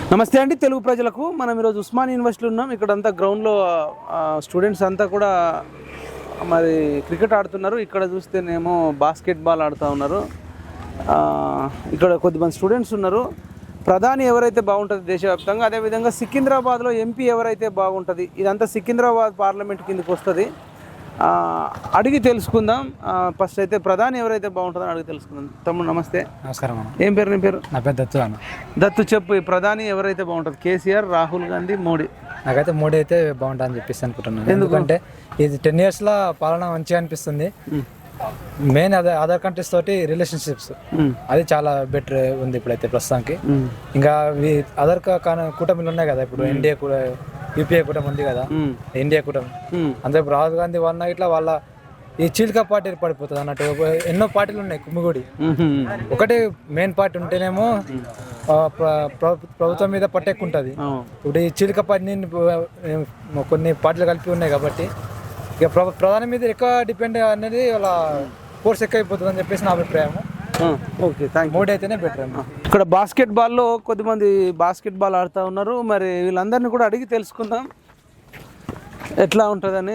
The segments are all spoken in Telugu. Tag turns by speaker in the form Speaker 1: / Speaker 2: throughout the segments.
Speaker 1: నమస్తే అండి తెలుగు ప్రజలకు. మనం ఈరోజు ఉస్మాన్ యూనివర్సిటీలో ఉన్నాం. ఇక్కడంతా గ్రౌండ్లో స్టూడెంట్స్ అంతా కూడా మరి క్రికెట్ ఆడుతున్నారు. ఇక్కడ చూస్తేనేమో బాస్కెట్బాల్ ఆడుతూ ఉన్నారు. ఇక్కడ కొద్దిమంది స్టూడెంట్స్ ఉన్నారు. ప్రధాని ఎవరైతే బాగుంటుంది దేశవ్యాప్తంగా, అదేవిధంగా సికింద్రాబాద్లో ఎంపీ ఎవరైతే బాగుంటుంది, ఇదంతా సికింద్రాబాద్ పార్లమెంట్ కిందకి వస్తుంది. అడిగి తెలుసుకుందాం. ఫస్ట్ అయితే ప్రధాని ఎవరైతే బాగుంటుందో అడిగి తెలుసుకుందాం. తమ్ముడు నమస్తే.
Speaker 2: నమస్కారం అన్న.
Speaker 1: ఏం పేరు? నీ పేరు?
Speaker 2: నా పేరు దత్తు అన్న.
Speaker 1: దత్తు, చెప్పు, ఈ ప్రధాని ఎవరైతే బాగుంటుంది? కేసీఆర్, రాహుల్ గాంధీ, మోడీ?
Speaker 2: నాకైతే మోడీ అయితే బాగుంటుందని చెప్పేసి అనుకుంటున్నాను. ఎందుకంటే ఇది 10 years లో పాలన మంచిగా అనిపిస్తుంది. మెయిన్ అదర్ కంట్రీస్ తోటి రిలేషన్షిప్స్ అది చాలా బెటర్ ఉంది ఇప్పుడైతే ప్రస్తుతానికి. ఇంకా అదర్ కూటమిలు ఉన్నాయి కదా, ఇప్పుడు ఇండియా కూడా, యూపీఏ కూటమి ఉంది కదా, ఇండియా కూటమి. అంతే ఇప్పుడు రాహుల్ గాంధీ వల్ల ఇట్లా వాళ్ళ ఈ చీలిక పార్టీ ఏర్పడిపోతుంది అన్నట్టు. ఎన్నో పార్టీలు ఉన్నాయి కుమ్మిగూడి. ఒకటే మెయిన్ పార్టీ ఉంటేనేమో ప్రభుత్వం మీద పట్టెక్కుంటుంది. ఇప్పుడు ఈ చీలిక పార్టీ కొన్ని పార్టీలు కలిపి ఉన్నాయి కాబట్టి ఇక ప్రధాని మీద ఎక్కువ డిపెండ్ అనేది వాళ్ళ ఫోర్స్ ఎక్కువ అయిపోతుంది అని చెప్పేసి నా అభిప్రాయం.
Speaker 1: Okay, thank you.
Speaker 2: మోడీ అయితేనే బెటర్ అన్న.
Speaker 1: ఇక్కడ బాస్కెట్బాల్లో కొద్దిమంది బాస్కెట్బాల్ ఆడుతూ ఉన్నారు. మరి వీళ్ళందరినీ కూడా అడిగి తెలుసుకుందాం ఎట్లా ఉంటుందని.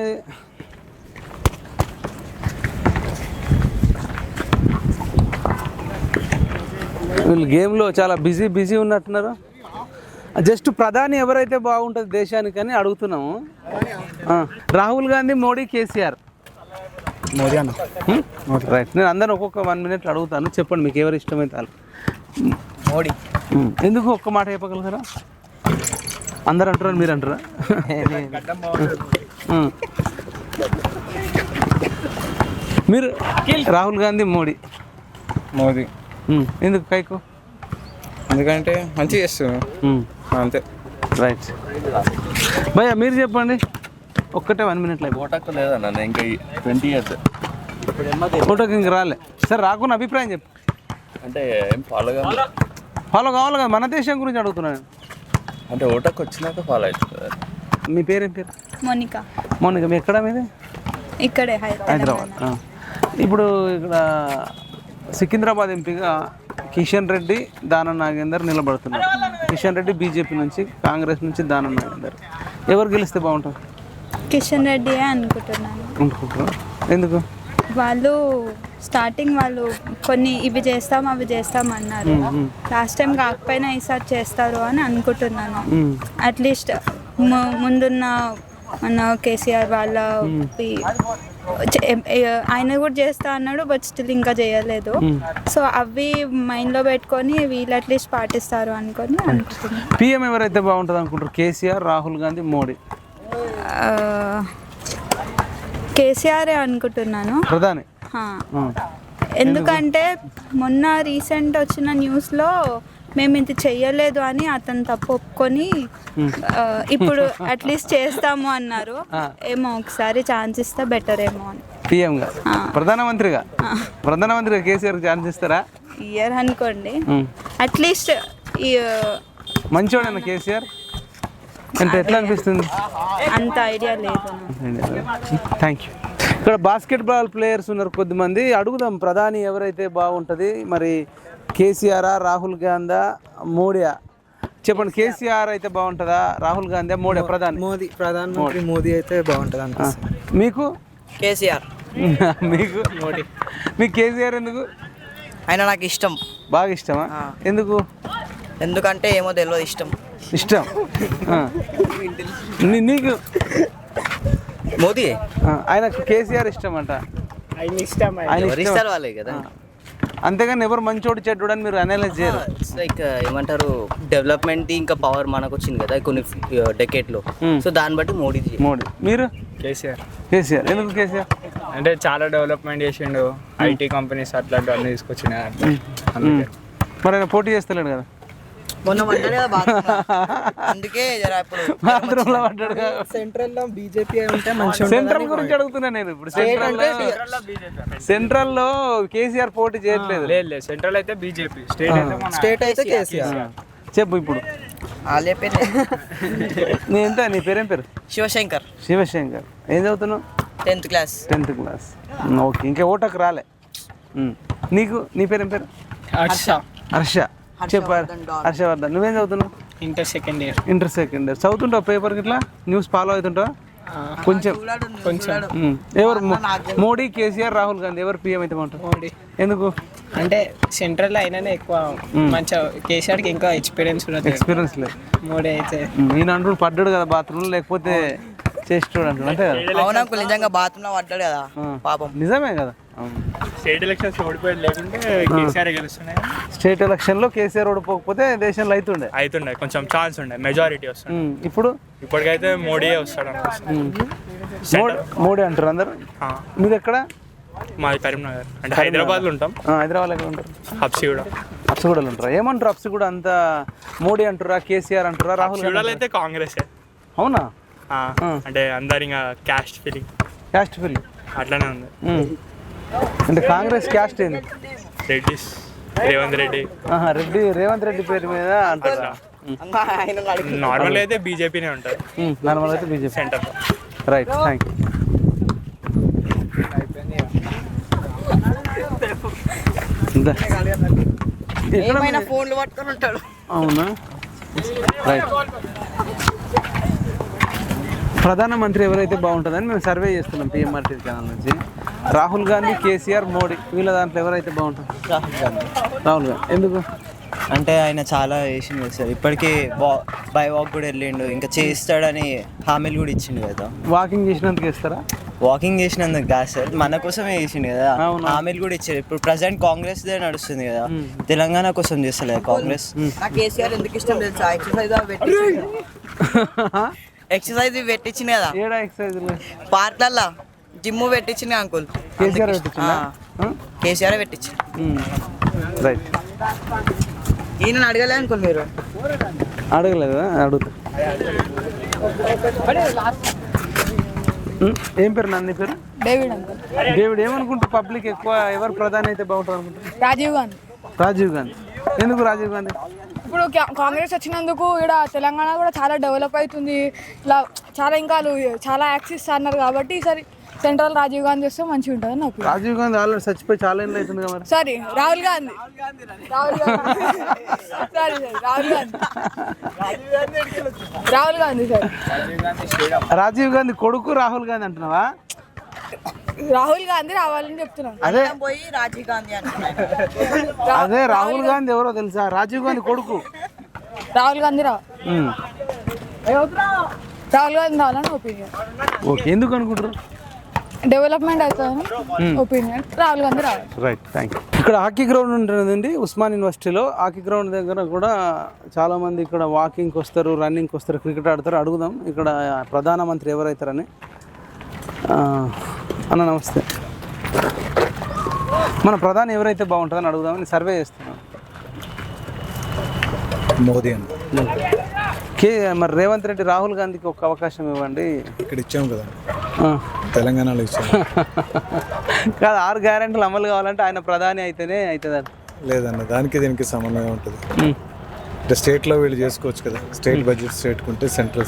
Speaker 1: వీళ్ళు గేమ్లో చాలా బిజీ ఉన్నట్టున్నారు. జస్ట్ ప్రధాని ఎవరైతే బాగుంటుంది దేశానికి అని అడుగుతున్నాము. రాహుల్ గాంధీ, మోడీ, కేసీఆర్?
Speaker 2: మోదీ అన్న.
Speaker 1: రైట్. నేను అందరిని ఒక్కొక్క 1 minute అడుగుతాను. చెప్పండి మీకు ఎవరు ఇష్టమైతే వాళ్ళు.
Speaker 2: మోడీ.
Speaker 1: ఎందుకు ఒక్క మాట చెప్పగలుగుతారా? అందరు అంటారా, మీరు అంటారా? మీరు? రాహుల్ గాంధీ, మోడీ.
Speaker 3: మోదీ.
Speaker 1: ఎందుకు కైకు?
Speaker 3: ఎందుకంటే మంచిగా చేస్తున్నాం అంతే.
Speaker 1: రైట్. భయ్యా మీరు చెప్పండి, ఒక్కటే 1 minute.
Speaker 4: ఓటకు లేదన్న ఇంకా 20 years.
Speaker 1: ఫోటోకి ఇంక రాలే. సరే, రాకున్న అభిప్రాయం చెప్పు.
Speaker 4: అంటే ఏం ఫాలో
Speaker 1: కావాలి కదా, మన దేశం గురించి అడుగుతున్నాను.
Speaker 4: అంటే ఓటకు వచ్చినాక ఫాలో అవుతుంది.
Speaker 1: మీ పేరేం పేరు?
Speaker 5: మోనికా.
Speaker 1: మోనికా, మీ ఎక్కడ మీది?
Speaker 5: ఇక్కడే
Speaker 1: హైదరాబాద్. ఇప్పుడు ఇక్కడ సికింద్రాబాద్ ఎంపీగా కిషన్ రెడ్డి, దానం నాగేందర్ నిలబడుతున్నారు. కిషన్ రెడ్డి బీజేపీ నుంచి, కాంగ్రెస్ నుంచి దానం నాగేందర్. ఎవరు గెలిస్తే బాగుంటుంది?
Speaker 5: కిషన్ రెడ్డి అనుకుంటున్నాను.
Speaker 1: అనుకుంటున్నారు. ఎందుకు?
Speaker 5: వాళ్ళు స్టార్టింగ్ వాళ్ళు కొన్ని ఇవి చేస్తాం అవి చేస్తాం అన్నారు. లాస్ట్ టైం కాకపోయినా ఈసారి చేస్తారు అని అనుకుంటున్నాను. అట్లీస్ట్ ముందున్న మన కేసీఆర్ వాళ్ళ ఆయన కూడా చేస్తా అన్నాడు, బట్ స్టిల్ ఇంకా చేయలేదు. సో అవి మైండ్లో పెట్టుకొని వీళ్ళు అట్లీస్ట్ పాటిస్తారు అనుకొని అనుకుంటున్నాను.
Speaker 1: పిఎం ఎవరైతే బాగుంటుంది అనుకుంటారు? కేసీఆర్, రాహుల్ గాంధీ, మోడీ?
Speaker 5: కేసీఆర్ అనుకుంటున్నాను
Speaker 1: ప్రధాని.
Speaker 5: ఎందుకంటే మొన్న రీసెంట్ వచ్చిన న్యూస్లో మేము ఇది చెయ్యలేదు అని అతను తప్పు ఒప్పుకొని ఇప్పుడు అట్లీస్ట్ చేస్తాము అన్నారు. ఏమో ఒకసారి ఛాన్స్ ఇస్తే బెటర్ ఏమో అని.
Speaker 1: పిఎంగా, ప్రధానమంత్రిగా కేసీఆర్ ఛాన్స్ ఇస్తారా?
Speaker 5: ఇయర్ అనుకోండి. అట్లీస్ట్
Speaker 1: మంచివాడన్నా కేసీఆర్ అంటే ఎట్లా అనిపిస్తుంది?
Speaker 5: అంత ఐడియా లేదు.
Speaker 1: Thank you. ఇక్కడ బాస్కెట్బాల్ ప్లేయర్స్ ఉన్నారు కొద్దిమంది. అడుగుదాం ప్రధాని ఎవరైతే బాగుంటుంది. మరి కేసీఆర్, రాహుల్ గాంధీ, మోడీయా? చెప్పండి, కేసీఆర్ అయితే బాగుంటుందా, రాహుల్ గాంధీ, మోడీ?
Speaker 2: ప్రధానమంత్రి మోదీ అయితే బాగుంటుంది అనిపిస్తుంది.
Speaker 1: మీకు?
Speaker 6: కేసీఆర్.
Speaker 1: మీకు? మోడీ. మీకు కేసీఆర్ ఎందుకు?
Speaker 6: ఆయన నాకు ఇష్టం.
Speaker 1: బాగా ఇష్టమా? ఎందుకు?
Speaker 6: ఎందుకంటే ఏమో తెలియదు, ఇష్టం.
Speaker 1: నీకు?
Speaker 6: మోదీ.
Speaker 1: ఆయనకు కేసీఆర్ ఇష్టం అంట. ఆయన ఇష్టం
Speaker 6: వాళ్ళే కదా.
Speaker 1: అంతేగాని ఎవరు మంచోడు చెడ్డోడు అని మీరు అనలైజ్ చేయరు.
Speaker 6: లైక్ ఏమంటారు, డెవలప్మెంట్ ఇంకా పవర్ మనకు వచ్చింది కదా కొన్ని డెకేడ్లో. సో దాన్ని బట్టి మోడీ.
Speaker 1: మీరు?
Speaker 2: కేసీఆర్.
Speaker 1: ఎందుకు కేసీఆర్?
Speaker 2: అంటే చాలా డెవలప్మెంట్ చేసిండు, ఐటీ కంపెనీస్ అట్లాంటి అన్ని తీసుకొచ్చిన.
Speaker 1: మరి ఆయన పోటీ చేస్తలేడు కదా,
Speaker 6: మొన్న పడ్డాడు కదా అందుకే
Speaker 1: బాత్రూంలో పడ్డాడు.
Speaker 2: సెంట్రల్ లో బీజేపీ ఉంటే
Speaker 1: సెంట్రల్ గురించి అడుగుతున్నా నేను. ఇప్పుడు సెంట్రల్ లో కేసీఆర్ పోటీ చేయట్లేదు.
Speaker 2: లేదు, సెంట్రల్ అయితే బీజేపీ,
Speaker 6: స్టేట్ అయితే కేసీఆర్.
Speaker 1: చెప్పు ఇప్పుడు. నీ పేరేం పేరు?
Speaker 6: శివశంకర్.
Speaker 1: ఏం చదువుతున్నావు?
Speaker 6: 10th class.
Speaker 1: ఓకే, ఇంకా ఓటకు రాలే. నీకు? నీ పేరేం పేరు?
Speaker 2: హర్ష.
Speaker 1: చెప్పారు. హర్షవర్ధన్. నువ్వేం చదువుతున్నావు?
Speaker 7: Inter second year.
Speaker 1: Inter second year చదువుతుంటావు పేపర్కి ఇట్లా న్యూస్ ఫాలో అవుతుంటావా? కొంచెం ఎవరు మోడీ, కేసీఆర్, రాహుల్ గాంధీ ఎవరు పిఎం అయితే బాగుంటారు?
Speaker 7: మోడీ.
Speaker 1: ఎందుకు?
Speaker 7: అంటే సెంట్రల్ అయినానే ఎక్కువ మంచిగా, కేసీఆర్కి ఇంకా ఎక్స్పీరియన్స్ ఉన్నది,
Speaker 1: ఎక్స్పీరియన్స్ లేదు.
Speaker 7: మోడీ అయితే
Speaker 1: ఈయన అంటూ పడ్డాడు కదా బాత్రూమ్, లేకపోతే చేస్తాడు అంటాడు అంతే కదా?
Speaker 6: అవునా, నిజంగా బాత్రూమ్ లో పడ్డాడు కదా పాపం.
Speaker 1: నిజమే కదా.
Speaker 8: స్టేట్ ఎలక్షన్స్ ఓడిపోయేది లేకుంటే కేసీఆర్ గెలుస్తున్నాయి.
Speaker 1: స్టేట్ ఎలక్షన్లో కేసీఆర్ ఓడిపోకపోతే దేశంలో
Speaker 8: అవుతుండే కొంచెం ఛాన్స్ ఉండే, మెజారిటీ వస్తుంది. ఇప్పటికైతే మోడీయే వస్తాడు
Speaker 1: మోడీ అంటారు అందరు. మీరు ఎక్కడ?
Speaker 8: మాది కరీంనగర్, అంటే హైదరాబాద్లో ఉంటాం.
Speaker 1: హైదరాబాద్ ఎక్కడ ఉంటారు?
Speaker 8: హబ్సిగూడలో
Speaker 1: ఉంటారా? ఏమంటారు హబ్సిగూడ అంత? మోడీ అంటారా, కేసీఆర్ అంటారా, రాహుల్ గాంధీ?
Speaker 8: అయితే కాంగ్రెస్.
Speaker 1: అవునా?
Speaker 8: అంటే అందరు ఇంకా క్యాస్ట్ ఫీలింగ్ అట్లానే ఉంది.
Speaker 1: అంటే కాంగ్రెస్ క్యాస్ట్ ఏంది?
Speaker 8: రెడ్డిస్, రేవంత్ రెడ్డి.
Speaker 1: రేవంత్ రెడ్డి పేరు మీద అంటారా?
Speaker 8: నార్మల్ అయితే బీజేపీనే ఉంటుంది.
Speaker 1: నార్మల్ అయితే BJP
Speaker 8: centre.
Speaker 1: Right, thank you.
Speaker 6: ఫోన్లు పట్టుకొని ఉంటాడు.
Speaker 1: అవునా? రైట్. ప్రధానమంత్రి ఎవరైతే బాగుంటుందని మేము సర్వే చేస్తున్నాం పిఎంఆర్టీ ఛానల్ నుంచి. రాహుల్ గాంధీ, కేసీఆర్, మోడీ, వీళ్ళ దాంట్లో ఎవరైతే బాగుంటుంది? రాహుల్ గాంధీ. ఎందుకు?
Speaker 6: అంటే ఆయన చాలా చేసిండు కదా సార్, ఇప్పటికీ బై వాక్ కూడా వెళ్ళిండు, ఇంకా చేస్తాడని హామీలు కూడా ఇచ్చిండు కదా.
Speaker 1: వాకింగ్ చేసినందుకు ఇస్తారా?
Speaker 6: వాకింగ్ చేసినందుకు కాదు సార్, మన కోసమే చేసిండు కదా, హామీలు కూడా ఇచ్చారు. ఇప్పుడు ప్రజెంట్ కాంగ్రెస్ దే నడుస్తుంది కదా, తెలంగాణ కోసం చేస్తలేదు కాంగ్రెస్.
Speaker 9: కేసీఆర్ ఎందుకు ఇష్టం తెలుసా? ఎక్సర్సైజ్ పెట్టించింది కదా
Speaker 1: ఏడా ఎక్సర్సైజ్
Speaker 9: పార్క్లల్లో, జిమ్ పెట్టించింది అంకుల్. కేసీఆర్ పెట్టించింది.
Speaker 1: రైట్.
Speaker 9: ఈయన అడగలే అంకుల్, మీరు
Speaker 1: అడగలేదు? అడుగుతా. ఏం పేరు నాన్న? నీ పేరు?
Speaker 10: David uncle.
Speaker 1: డేవిడ్, ఏమనుకుంటారు పబ్లిక్ ఎక్కువ ఎవరు ప్రధాని అయితే బాగుంటుంది అనుకుంటారు?
Speaker 10: రాజీవ్ గాంధీ.
Speaker 1: రాజీవ్ గాంధీ. ఎందుకు రాజీవ్ గాంధీ?
Speaker 10: ఇప్పుడు కాంగ్రెస్ వచ్చినందుకు ఇక్కడ తెలంగాణ కూడా చాలా డెవలప్ అవుతుంది, ఇలా చాలా ఇంకా చాలా యాక్సిస్ అన్నారు కాబట్టి ఈసారి సెంట్రల్ రాజీవ్ గాంధీ వస్తే మంచిగా ఉంటుంది నాకు.
Speaker 1: రాజీవ్ గాంధీ ఆల్రెడీ చచ్చిపోయి చాలా ఏళ్ళు అవుతుంది కదా.
Speaker 10: Sorry, Rahul Gandhi. Sorry sir, Rahul Gandhi. Rahul Gandhi sir.
Speaker 1: Rajiv Gandhi కొడుకు రాహుల్ గాంధీ అంటున్నావా?
Speaker 10: రాహుల్ గాంధీ రావాలని చెప్తున్నాను.
Speaker 9: అదే పోయి రాజీవ్ గాంధీ అంటున్నాను.
Speaker 1: అదే రాహుల్ గాంధీ ఎవరో తెలుసా? రాజీవ్ గాంధీ కొడుకు.
Speaker 10: రాహుల్ గాంధీ రాహుల్ గాంధీ రావాలని ఒపీనియన్.
Speaker 1: ఓకే, ఎందుకు అనుకుంటారు?
Speaker 10: డెవలప్మెంట్ అవుతుందని ఒపీనియన్. రాహుల్ గాంధీ రావాలి.
Speaker 1: Right, thank you. ఇక్కడ హాకీ గ్రౌండ్ ఉంటుందండి ఉస్మాన్ యూనివర్సిటీలో. హాకీ గ్రౌండ్ దగ్గర కూడా చాలామంది ఇక్కడ వాకింగ్కి వస్తారు, రన్నింగ్కి వస్తారు, క్రికెట్ ఆడతారు. అడుగుదాం ఇక్కడ ప్రధానమంత్రి ఎవరైతారని. అన్న నమస్తే. మన ప్రధాని ఎవరైతే బాగుంటుందని అడుగుదామని సర్వే చేస్తున్నాం.
Speaker 11: మోదీ అండి.
Speaker 1: మరి రేవంత్ రెడ్డి, రాహుల్ గాంధీకి ఒక అవకాశం ఇవ్వండి.
Speaker 11: ఇక్కడ ఇచ్చాము కదా, తెలంగాణలో ఇచ్చాము.
Speaker 1: కాదు, 6 గ్యారెంటీలు అమలు కావాలంటే ఆయన ప్రధాని అయితేనే అవుతుంది.
Speaker 11: లేదన్న, దానికి దీనికి సమన్వయం ఉంటుంది. అంటే స్టేట్లో వీళ్ళు చేసుకోవచ్చు కదా, స్టేట్ బడ్జెట్ స్టేట్కి ఉంటే సెంట్రల్.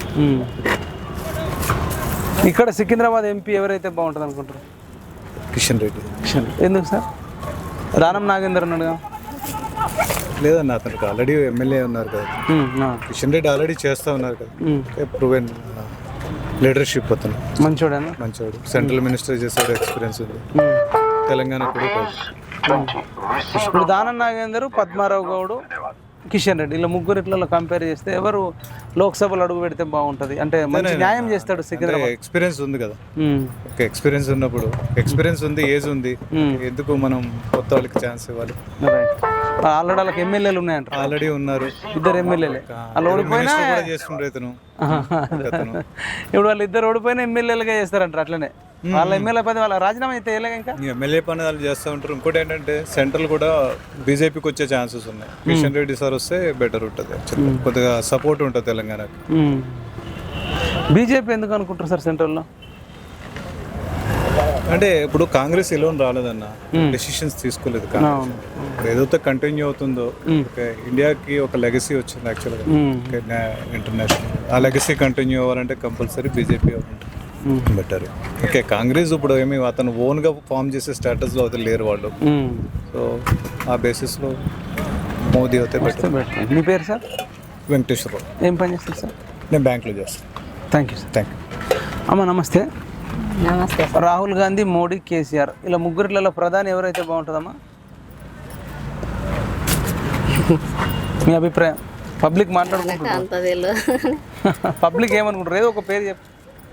Speaker 1: ఇక్కడ సికింద్రాబాద్ ఎంపీ ఎవరైతే బాగుంటుంది అనుకుంటారు?
Speaker 11: కిషన్ రెడ్డి.
Speaker 1: ఎందుకు సార్? దానం నాగేందర్ ఉన్నాడుగా.
Speaker 11: లేదన్న, అతనికి ఆల్రెడీ ఎమ్మెల్యే ఉన్నారు కదా. కిషన్ రెడ్డి ఆల్రెడీ చేస్తూ ఉన్నారు కదా, ప్రూవెన్ లీడర్షిప్. అతను మంచోడు, సెంట్రల్ మినిస్టర్ చేసాడు, ఎక్స్పీరియన్స్ ఉంది. తెలంగాణ కూడా.
Speaker 1: ఇప్పుడు దానం నాగేందర్, పద్మారావు గౌడ్, కిషన్ రెడ్డి, ఇలా ముగ్గురు ఇట్లా కంపేర్ చేస్తే ఎవరు లోక్సభలో అడుగు పెడితే బాగుంటుంది? అంటే మంచి న్యాయం చేస్తాడు సికింద్రాబాద్.
Speaker 11: ఎక్స్పీరియన్స్ ఉంది కదా. ఓకే, ఎక్స్పీరియన్స్ ఉన్నప్పుడు, ఎక్స్పీరియన్స్ ఉంది, ఏజ్ ఉంది, ఎందుకు మనం కొత్త వాళ్ళకి ఛాన్స్ ఇవ్వాలి?
Speaker 1: ఆల్రెడీ వాళ్ళకి ఎమ్మెల్యేలు ఉన్నాయంట.
Speaker 11: ఆల్రెడీ ఉన్నారు
Speaker 1: 2 ఎమ్మెల్యేలే. వాళ్ళు ఓడిపోయినా
Speaker 11: చేస్తుండ్రు ఇతను.
Speaker 1: ఇప్పుడు వాళ్ళు 2 ఓడిపోయినా ఎమ్మెల్యేలుగా చేస్తారంటారు. అట్లనే వాళ్ళ ఎమ్మెల్యే పని వాళ్ళ రాజీనామా అయితే ఇంకా
Speaker 11: ఎమ్మెల్యే పని వాళ్ళు చేస్తూ ఉంటారు. ఇంకోటి ఏంటంటే సెంట్రల్ కూడా బీజేపీకి వచ్చే ఛాన్సెస్ ఉన్నాయి. కిషన్ రెడ్డి సార్ వస్తే బెటర్ ఉంటుంది, కొద్దిగా సపోర్ట్ ఉంటుంది తెలంగాణకి.
Speaker 1: బీజేపీ ఎందుకు అనుకుంటారు సార్ సెంట్రల్లో?
Speaker 11: అంటే ఇప్పుడు కాంగ్రెస్ ఎలోన్ రాలేదన్న, డెసిషన్స్ తీసుకోలేదు కాంగ్రెస్. ఏదైతే కంటిన్యూ అవుతుందో, ఇండియాకి ఒక లెగసీ వచ్చింది యాక్చువల్గా ఇంటర్నేషనల్. ఆ లెగసీ కంటిన్యూ అవ్వాలంటే compulsory BJP better. Okay, Congress ఇప్పుడు ఏమి అతను ఓన్గా ఫామ్ చేసే స్టేటస్లో అయితే లేరు వాళ్ళు. సో ఆ బేసిస్లో మోదీ అయితే బెటర్.
Speaker 1: మీ పేరు సార్?
Speaker 11: వెంకటేశ్వరరావు.
Speaker 1: ఏం పని చేస్తారు సార్?
Speaker 11: నేను బ్యాంక్లో చేస్తాను.
Speaker 1: Thank you sir.
Speaker 11: Thank you.
Speaker 1: అమ్మ నమస్తే.
Speaker 12: నమస్తే.
Speaker 1: రాహుల్ గాంధీ, మోడీ, కేసీఆర్ ఇలా ముగ్గురిలో ప్రధాని ఎవరైతే బాగుంటుందమ్మా మీ అభిప్రాయం? పబ్లిక్ మాట్లాడుకుంటారు, పబ్లిక్ ఏమనుకుంటారు? ఏదో ఒక పేరు చెప్పు.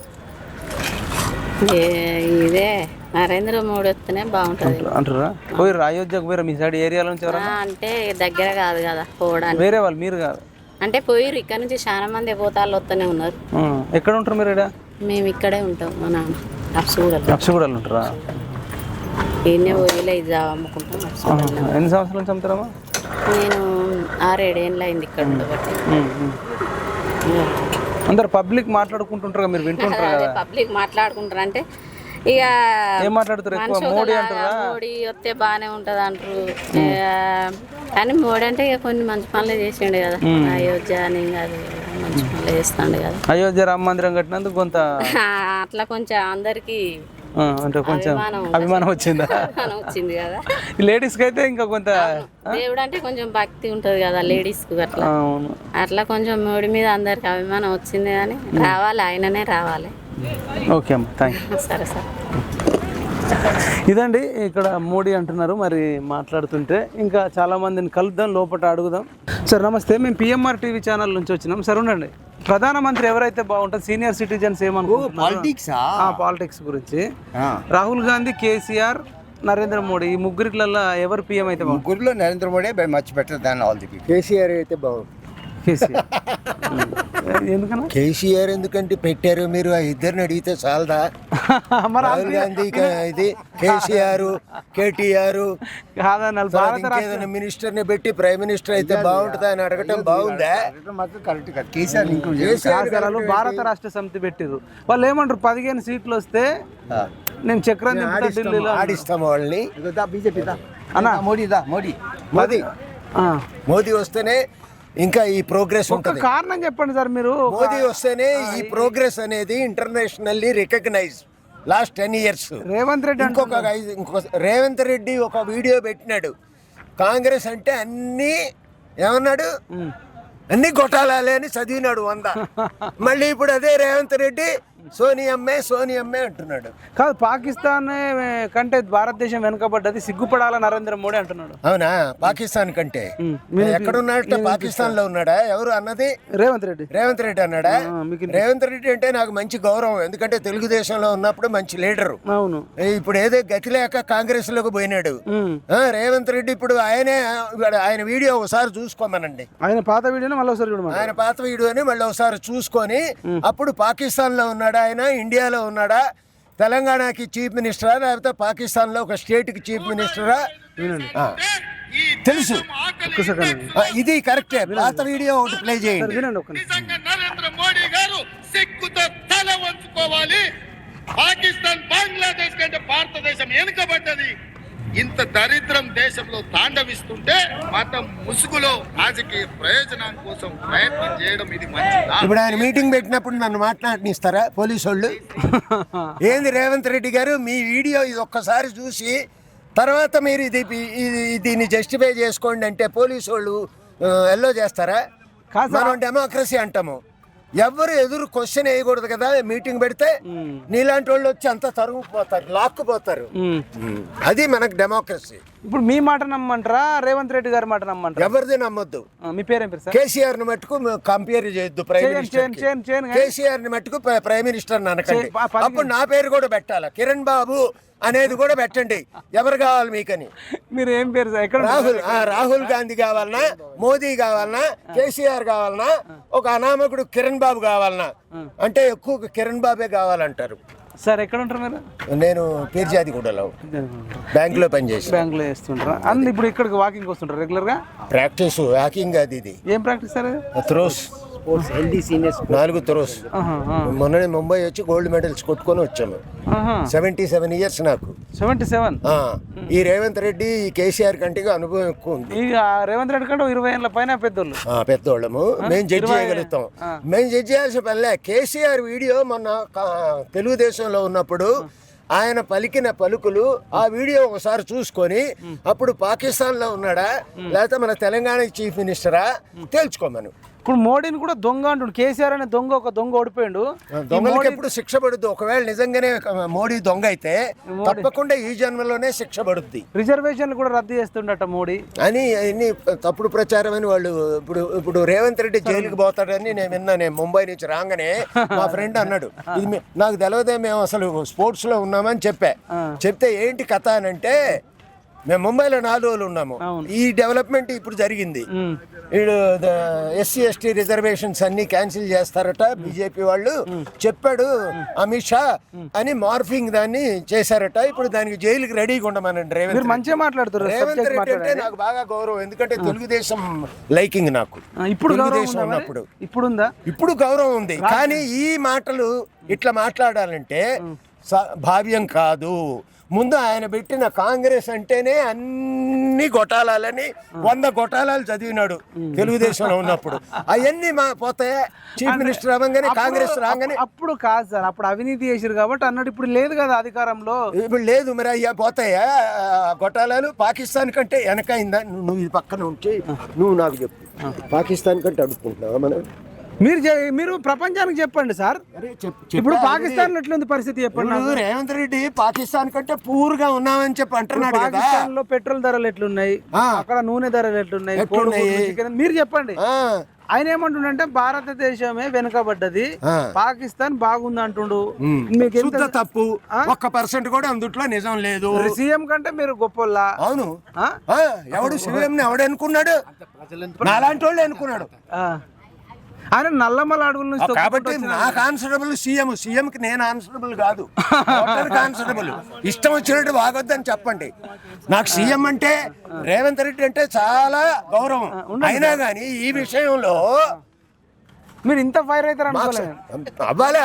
Speaker 12: ఇదే నరేంద్ర మోడీ వస్తేనే బాగుంటుంది
Speaker 1: అంటారా? పోయిర్రా అయోధ్యకు పోయిరా మీ సైడ్ ఏరియాల నుంచి ఎవరైనా?
Speaker 12: అంటే దగ్గర కాదు కదా పోవడానికి.
Speaker 1: వేరే వాళ్ళు, మీరు కాదు
Speaker 12: అంటే పోయిర్రు. ఇక్కడ నుంచి చాలా మంది పోతాళ్ళు వస్తూనే ఉన్నారు.
Speaker 1: ఎక్కడ ఉంటారు మీరు? ఇక్కడ
Speaker 12: మేము ఇక్కడే ఉంటాం. మా నాన్న
Speaker 1: అప్సగూడలు ఉంటారా?
Speaker 12: ఈయనే పోయిలే ఇది అమ్ముకుంటాం.
Speaker 1: ఎన్ని సంవత్సరాల నుంచి అమ్ముతారమ్మా?
Speaker 12: నేను 6-7 ఏళ్ళు అయింది ఇక్కడ ఉండబట్టి.
Speaker 1: అందరు పబ్లిక్ మాట్లాడుకుంటుంటారు, మీరు వింటుంటారు కదా?
Speaker 12: పబ్లిక్ మాట్లాడుకుంటారు అంటే ఇక
Speaker 1: ఏం మాట్లాడుతారు ఎక్కువ? మోడీ అంటారా?
Speaker 12: మోడీ వస్తే బాగానే ఉంటుంది అంటారు. కానీ మోడీ అంటే ఇక కొన్ని మంచి పనులు చేసిండు కదా. అయోధ్య అని అది మంచి పనులు చేస్తాడు కదా.
Speaker 1: అయోధ్య రామ మందిరం కట్టినందుకు కొంత
Speaker 12: అట్లా కొంచెం అందరికి
Speaker 1: అంటే కొంచెం అభిమానం వచ్చిందా?
Speaker 12: వచ్చింది కదా.
Speaker 1: లేడీస్కి అయితే ఇంకా కొంత
Speaker 12: దేవుడు అంటే కొంచెం భక్తి ఉంటుంది కదా లేడీస్కి. అట్లా అట్లా కొంచెం మోడీ మీద అందరికి అభిమానం వచ్చింది. కానీ రావాలి, ఆయననే రావాలి.
Speaker 1: ఓకే అమ్మ, థ్యాంక్ యూ.
Speaker 12: సరే సార్.
Speaker 1: ఇదండి ఇక్కడ మోడీ అంటున్నారు. మరి మాట్లాడుతుంటే ఇంకా చాలా మందిని కలుద్దాం, లోపల అడుగుదాం. సార్ నమస్తే, మేము పిఎంఆర్ టీవీ ఛానల్ నుంచి వచ్చినాం. సార్ ఉండండి. ప్రధానమంత్రి ఎవరైతే బాగుంటుంది? సీనియర్ సిటిజన్స్ ఏమనుకుంటున్నారు పాలిటిక్స్ గురించి? రాహుల్ గాంధీ, కేసీఆర్, నరేంద్ర మోడీ, ఈ ముగ్గురిలో ఎవరు పిఎం అయితే బాగుంటుంది?
Speaker 13: ముగ్గురులో Narendra Modi much better than all the people. KCR అయితే బాగుంటుంది.
Speaker 1: ఎందుకన్నా
Speaker 13: కేసీఆర్ ఎందుకంటే పెట్టారు, మీరు ఆ ఇద్దరిని అడిగితే చాలదా? రాహుల్ గాంధీ ఇది కేసీఆర్, కేటీఆర్ ఏదైనా మినిస్టర్ ని పెట్టి ప్రైమ్ మినిస్టర్ అయితే బాగుంటుందా అని అడగటం బాగుందా? కరెక్ట్ కాదు.
Speaker 1: కేసీఆర్ భారత రాష్ట్ర సమితి పెట్టిర్రు. వాళ్ళు ఏమంటారు? 15 సీట్లు వస్తే నేను చక్రం ఢిల్లీలో
Speaker 13: ఆడిస్తాము వాళ్ళని. బీజేపీ మోదీ వస్తేనే ఇంకా ఈ ప్రోగ్రెస్ ఉంటుంది.
Speaker 1: కారణం చెప్పండి సార్ మీరు.
Speaker 13: మోదీ వస్తేనే ఈ ప్రోగ్రెస్ అనేది internationally recognise. Last 10 years
Speaker 1: Revanth Reddy
Speaker 13: Revanth Reddy ఒక వీడియో పెట్టినాడు. కాంగ్రెస్ అంటే అన్నీ ఏమన్నాడు? అన్ని గొట్టాలే అని చదివినాడు 100. మళ్ళీ ఇప్పుడు అదే రేవంత్ రెడ్డి సోనియమ్మే అంటున్నాడు.
Speaker 1: కాదు, పాకిస్తాన్ కంటే భారతదేశం వెనుకబడ్డది, సిగ్గుపడాల నరేంద్ర మోడీ అంటున్నాడు.
Speaker 13: అవునా? పాకిస్తాన్ కంటే ఎక్కడున్నాడట? పాకిస్తాన్ లో ఉన్నాడా? ఎవరు అన్నది?
Speaker 1: రేవంత్ రెడ్డి
Speaker 13: అన్నాడా? రేవంత్ రెడ్డి అంటే నాకు మంచి గౌరవం, ఎందుకంటే తెలుగుదేశంలో ఉన్నప్పుడు మంచి లీడరు.
Speaker 1: అవును.
Speaker 13: ఇప్పుడు ఏదో గతి లేక కాంగ్రెస్ లోకి పోయినాడు రేవంత్ రెడ్డి. ఇప్పుడు ఆయన వీడియో ఒకసారి చూసుకోమనండి.
Speaker 1: ఆయన పాత వీడియోని
Speaker 13: మళ్ళీ ఒకసారి చూసుకొని అప్పుడు పాకిస్తాన్ లో ఉన్నాడా ఆయన, ఇండియాలో ఉన్నాడా, తెలంగాణకి చీఫ్ మినిస్టరా, లేకపోతే పాకిస్తాన్ లో ఒక స్టేట్ కి చీఫ్ మినిస్టరా తెలుసు. ఇది కరెక్టే. పాత వీడియో ఒకటి ప్లే చేయండి.
Speaker 14: నరేంద్ర మోడీ గారు సిగ్గుతో తల వంచుకోవాలి. పాకిస్తాన్, బంగ్లాదేశ్ కంటే భారతదేశం వెనుకబడ్డది. ఇంత దరిద్రం దేశంలో తాండవిస్తుంటే మతం ముసుగులో రాజకీయ ప్రయోజనం కోసం ప్రయత్నం చేయడం ఇది మంచిదా?
Speaker 13: ఇప్పుడు ఆయన మీటింగ్ పెట్టినప్పుడు నన్ను మాట్లాడనిస్తారా పోలీసు వాళ్ళు? ఏంది రేవంత్ రెడ్డి గారు, మీ వీడియో ఇది ఒక్కసారి చూసి తర్వాత మీరు దీన్ని జస్టిఫై చేసుకోండి అంటే పోలీసు వాళ్ళు ఎల్లో చేస్తారా? మనం డెమోక్రసీ అంటాము. ఎవరు ఎదురు క్వశ్చన్ వేయకూడదు కదా. మీటింగ్ పెడితే నీలాంటి వాళ్ళు వచ్చి అంతా తరుగుపోతారు, లాక్కుపోతారు. అది మనకు డెమోక్రసీ.
Speaker 1: ఇప్పుడు మీ మాట నమ్మంటారా, రేవంత్ రెడ్డి గారి మాట నమ్మంటారా?
Speaker 13: ఎవరిది నమ్మొద్దు.
Speaker 1: మీ పేరేం పేరు సార్?
Speaker 13: కేసీఆర్ ని మట్టుకు కంపేర్ చేయొద్దు ప్రైమ్ మినిస్టర్. కేసీఆర్ ని మట్టుకు ప్రైమ్ మినిస్టర్ అనకండి. అప్పుడు నా పేరు కూడా పెట్టాలా, కిరణ్ బాబు అనేది కూడా పెట్టండి. ఎవరు కావాలి మీకని?
Speaker 1: మీరు ఏం పేరు సార్?
Speaker 13: రాహుల్ గాంధీ కావాలన్నా, మోదీ కావాలన్నా, కేసీఆర్ కావాలన్నా, ఒక అనామకుడు కిరణ్ బాబు కావాలన్నా అంటే ఎక్కువ కిరణ్ బాబే కావాలంటారు.
Speaker 1: సార్ ఎక్కడ ఉంటారు మీరు?
Speaker 13: నేను పీర్జాదిగూడలో బ్యాంక్ లో పనిచేసి
Speaker 1: బ్యాంక్ లో చేస్తుంటారా? అండ్ ఇప్పుడు ఇక్కడికి వాకింగ్ వస్తుంటారు రెగ్యులర్ గా?
Speaker 13: ప్రాక్టీస్ వాకింగ్ అది ఇది.
Speaker 1: ఏం ప్రాక్టీస్ సార్?
Speaker 13: Throws, 4 throws. మొన్ననే ముంబై వచ్చి గోల్డ్ మెడల్స్ కొట్టుకొని వచ్చాము. 77 years నాకు.
Speaker 1: 77?
Speaker 13: ఈ రేవంత్ రెడ్డి, ఈ కేసీఆర్ కంటే అనుభవం ఎక్కువ ఉంది.
Speaker 1: రేవంత్ రెడ్డి కంటే 20 ఏళ్ళ పైన
Speaker 13: పెద్దోళ్ళము. మేము జడ్జి చేయగలుగుతాం. మేము జడ్జి చేయాల్సిన పనిలే. కేసీఆర్ వీడియో మొన్న తెలుగుదేశంలో ఉన్నప్పుడు ఆయన పలికిన పలుకులు ఆ వీడియో ఒకసారి చూసుకొని అప్పుడు పాకిస్తాన్ లో ఉన్నాడా లేకపోతే మన తెలంగాణ చీఫ్ మినిస్టరా తేల్చుకోమను.
Speaker 1: ఇప్పుడు మోడీని కూడా దొంగ అంటుండు. కేసీఆర్ అనే దొంగ ఒక దొంగ ఓడిపోయిండు.
Speaker 13: దొంగలకి ఎప్పుడు శిక్ష పడుద్ది. ఒకవేళ నిజంగానే మోడీ దొంగ అయితే తప్పకుండా ఈ జన్మలోనే శిక్ష పడుద్ది.
Speaker 1: రిజర్వేషన్లు కూడా రద్దు చేస్తుండట మోడీ
Speaker 13: అని అన్ని తప్పుడు ప్రచారం అని వాళ్ళు ఇప్పుడు రేవంత్ రెడ్డి జైలుకి పోతాడని నేను విన్నా. నేను ముంబై నుంచి రాగానే మా ఫ్రెండ్ అన్నాడు, ఇది నాకు తెలియదే, మేము అసలు స్పోర్ట్స్ లో ఉన్నామని చెప్తే ఏంటి కథ అని అంటే, మేము ముంబైలో 4 రోజులు ఉన్నాము. ఈ డెవలప్మెంట్ ఇప్పుడు జరిగింది. వీడు SC ST రిజర్వేషన్స్ అన్ని క్యాన్సిల్ చేస్తారట బీజేపీ వాళ్ళు చెప్పాడు అమిత్ షా అని మార్ఫింగ్ దాన్ని చేశారట. ఇప్పుడు దానికి జైలుకి రెడీగా ఉండమనండి రేవంత్.
Speaker 1: మంచిగా మాట్లాడుతారు.
Speaker 13: రేవంత్ రెడ్డి అంటే నాకు బాగా గౌరవం, ఎందుకంటే తెలుగుదేశం లైకింగ్ నాకు.
Speaker 1: ఇప్పుడు
Speaker 13: తెలుగుదేశం ఉన్నప్పుడు ఇప్పుడు గౌరవం ఉంది. కానీ ఈ మాటలు ఇట్లా మాట్లాడాలంటే భావ్యం కాదు. ముందు ఆయన పెట్టిన కాంగ్రెస్ అంటేనే అన్ని గొటాలని 100 గొటాలాలు చదివినాడు తెలుగుదేశంలో ఉన్నప్పుడు. అవన్నీ పోతాయి. చీఫ్ మినిస్టర్ అవ్వగానే కాంగ్రెస్ రాగానే
Speaker 1: అప్పుడు కాదు సార్, అప్పుడు అవినీతి చేశారు కాబట్టి అన్నాడు. ఇప్పుడు లేదు కదా అధికారంలో.
Speaker 13: ఇప్పుడు లేదు, మరి అయ్యా పోతాయా గొటాలాలు? పాకిస్తాన్ కంటే వెనకైందా? నువ్వు ఇది పక్కన ఉంచి నువ్వు నాకు చెప్పు, పాకిస్తాన్ కంటే అడుక్కుంటున్నావా మనం?
Speaker 1: మీరు ప్రపంచానికి చెప్పండి సార్. ఇప్పుడు పాకిస్తాన్ ఎట్లుంది పరిస్థితి చెప్పండి.
Speaker 13: రేవంత్ రెడ్డి పాకిస్తాన్ కంటే పూర్గా ఉన్నామని చెప్పి అంటున్నాడు.
Speaker 1: పాకిస్తాన్ లో పెట్రోల్ ధరలు ఎట్లున్నాయి, అక్కడ నూనె ధరలు ఎట్లున్నాయి, మీరు చెప్పండి. ఆయన ఏమంటుండే, భారతదేశమే వెనుకబడ్డది, పాకిస్తాన్ బాగుంది అంటుండు. మీకు ఎంత
Speaker 13: తప్పు? 1% కూడా అందుట్లో నిజం లేదు.
Speaker 1: సీఎం కంటే మీరు గొప్పలా?
Speaker 13: అవును. ఎవడు సీఎం ఎవడు అనుకున్నాడు? నాలాంటి వాళ్ళు అనుకున్నాడు.
Speaker 1: ఆయన నల్లమల అడవుల నుంచి
Speaker 13: కాబట్టి నాకు ఆన్సరబుల్ సీఎం కి నేను ఆన్సరబుల్ కాదు. ఆన్సరబుల్ ఇష్టం వచ్చినట్టు బాగొద్దని చెప్పండి. నాకు సీఎం అంటే రేవంత్ రెడ్డి అంటే చాలా గౌరవం. అయినా కానీ ఈ విషయంలో
Speaker 1: మీరు ఇంత ఫైర్ అవుతారు
Speaker 13: అవ్వాలా?